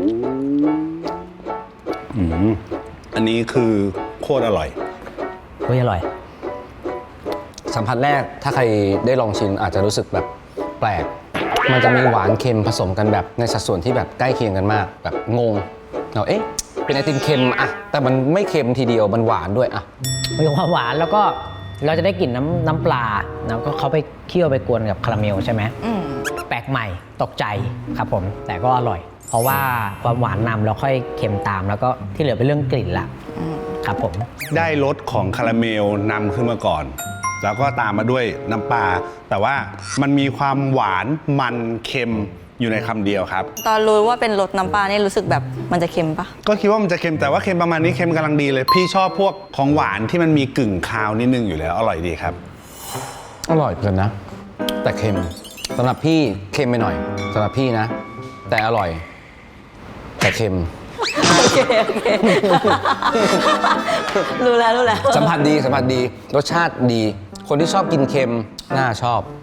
อันนี้คือโคตรอร่อยเฮ้ยอร่อยสัมผัสแรกถ้าใครได้ลองชิมอาจจะรู้สึกแบบแปลกมันจะมีหวานเค็มผสมกันแบบในสัดส่วนที่แบบใกล้เคียงกันมากแบบงงเราเป็นไอติมเค็มอะแต่มันไม่เค็มทีเดียวมันหวานด้วยอะมีความหวานแล้วก็เราจะได้กลิ่นน้ำปลาแล้วก็เขาไปเคี่ยวไปกวนกับคาราเมลใช่ไหมแปลกใหม่ตกใจครับผมแต่ก็อร่อยเพราะว่าความหวานนำแล้วค่อยเค็มตามแล้วก็ที่เหลือเป็นเรื่องกลิ่นละครับผมได้รสของคาราเมลนำขึ้นมาก่อนแล้วก็ตามมาด้วยน้ำปลาแต่ว่ามันมีความหวานมันเค็มอยู่ในคำเดียวครับตอนรู้ว่าเป็นรสน้ำปลานี่รู้สึกแบบมันจะเค็มปะก็คิดว่ามันจะเค็มแต่ว่าเค็มประมาณนี้เค็มกำลังดีเลยพี่ชอบพวกของหวานที่มันมีกึ่งคาวนิดนึงอยู่แล้วอร่อยดีครับอร่อยเกินนะแต่เค็มสำหรับพี่เค็มไปหน่อยสำหรับพี่นะแต่อร่อยแต่เค็มโอเครู้แล้วสัมผัสดีรสชาติดีคนที่ชอบกินเค็มน่าชอบ